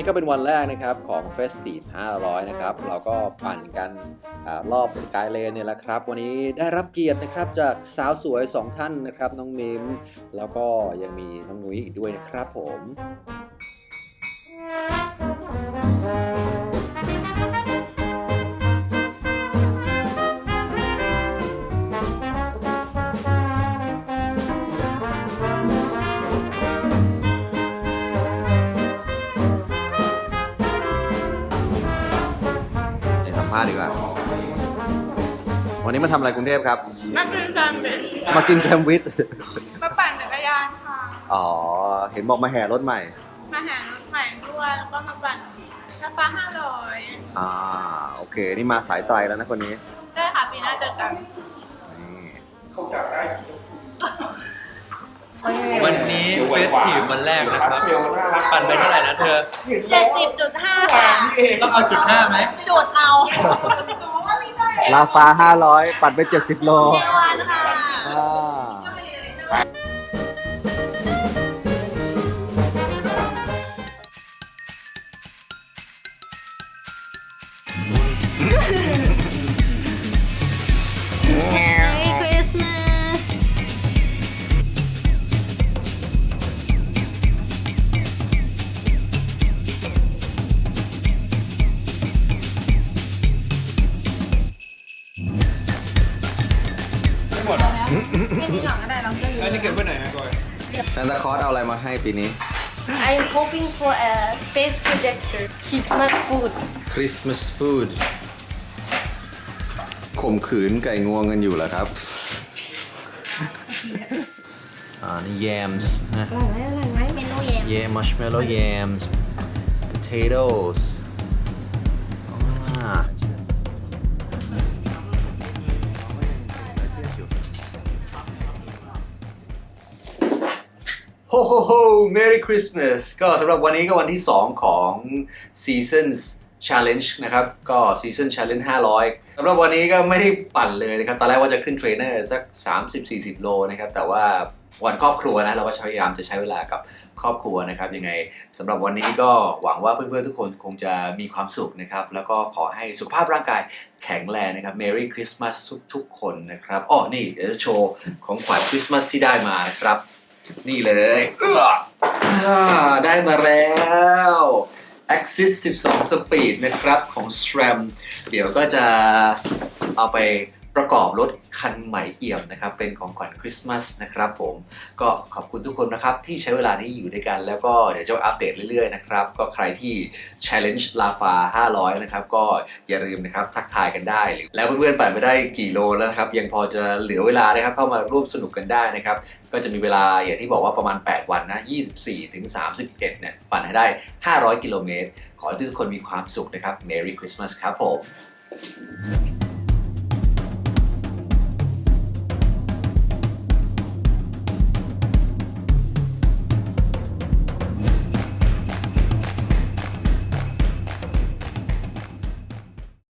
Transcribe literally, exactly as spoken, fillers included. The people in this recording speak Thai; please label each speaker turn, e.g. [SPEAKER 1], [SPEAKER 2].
[SPEAKER 1] นี้ก็เป็นวันแรกนะครับของ Festive ห้าร้อยนะครับเราก็ปั่นกันอรอบสกายเลนเนี่ยแหละครับวันนี้ได้รับเกียรตินะครับจากสาวสวยสองท่านนะครับน้องมิมแล้วก็ยังมีน้องนุ้ยอีกด้วยนะครับผมพาดีกว่าวันนี้มาทำอะไรกรุงเทพครับ
[SPEAKER 2] มากินแซนด์วิช
[SPEAKER 1] มากินแซนด์วิช
[SPEAKER 2] มาปั่นจักรยานค่ะ
[SPEAKER 1] อ๋อเห็นบอกมาแห่รถใหม่
[SPEAKER 2] มาแห่รถใหม่ด้วยแล้วก็มาปั่นราคาห้าร้อย
[SPEAKER 1] อ่าโอเคนี่มาสายไตรแล้วนะคนนี้
[SPEAKER 2] ได้ค่ะปีหน้าเจอกัน
[SPEAKER 1] เขาอยากได้
[SPEAKER 3] วันนี้เฟสทีฟวันแรกนะครับปั่นไปเท่าไหร่นะเธอ
[SPEAKER 2] เจ็ดสิบจุดห้า ค่ะ
[SPEAKER 3] ต้องเอาจุดห้าไหม
[SPEAKER 2] จุดเอา
[SPEAKER 1] ลาฟ้าห้าร้อยปั่นไปเจ็ดสิบโล
[SPEAKER 2] เดวันค่ะMerry Christmas
[SPEAKER 3] หมดอ่ะ
[SPEAKER 2] ไม่มีหลังก็ได้เราจะอยู่
[SPEAKER 3] อันนี้เก็บไว้ไหนนะกอย
[SPEAKER 1] ซานตาคลอสเอาอะไรมาให้ปีนี้
[SPEAKER 4] I'm hoping for a space projector. Christmas food.
[SPEAKER 1] Christmas food ข่มขืนไก่งวงกันอยู่เหรอครับอ่านี่ yams นะ
[SPEAKER 4] อร่อยไหมอร่อยไหมเมนูเย็น
[SPEAKER 1] yeah marshmallow yams potatoes อ่าโฮโฮโฮ Merry Christmas ก็สำหรับวันนี้ก็วันที่สองของ Seasons Challenge นะครับก็ Season Challenge ห้าร้อยสำหรับวันนี้ก็ไม่ได้ปั่นเลยนะครับตอนแรกว่าจะขึ้นเทรนเนอร์สัก สามสิบสี่สิบ โลนะครับแต่ว่าวันครอบครัวนะเราก็พยายามจะใช้เวลากับครอบครัวนะครับยังไงสำหรับวันนี้ก็หวังว่าเพื่อนๆทุกคนคงจะมีความสุขนะครับแล้วก็ขอให้สุขภาพร่างกายแข็งแรงนะครับ Merry Christmas ทุกๆคนนะครับอ๋อนี่เดี๋ยวจะโชว์ของขวัญคริสต์มาสที่ได้มานะครับนี่เลยเออได้มาแล้ว Axis สิบสอง Speed นะครับของ SRAM เดี๋ยวก็จะเอาไปประกอบรถคันใหม่เอี่ยมนะครับเป็นของขวัญคริสต์มาสนะครับผมก็ขอบคุณทุกคนนะครับที่ใช้เวลานี้อยู่ด้วยกันแล้วก็เดี๋ยวจะอัปเดตเรื่อยๆนะครับก็ใครที่ Challenge ลาฟาห้าร้อยนะครับก็อย่าลืมนะครับทักทายกันได้แล้วเพื่อนๆปั่นไปได้กี่โลแล้วครับยังพอจะเหลือเวลานะครับเข้ามาร่วมสนุกกันได้นะครับก็จะมีเวลาอย่างที่บอกว่าประมาณแปดวันนะยี่สิบสี่ถึงสามสิบเอ็ดเนี่ยปั่นให้ได้ห้าร้อยกิโลเมตรขอให้ทุกคนมีความสุขนะครับ Merry Christmas ครับผม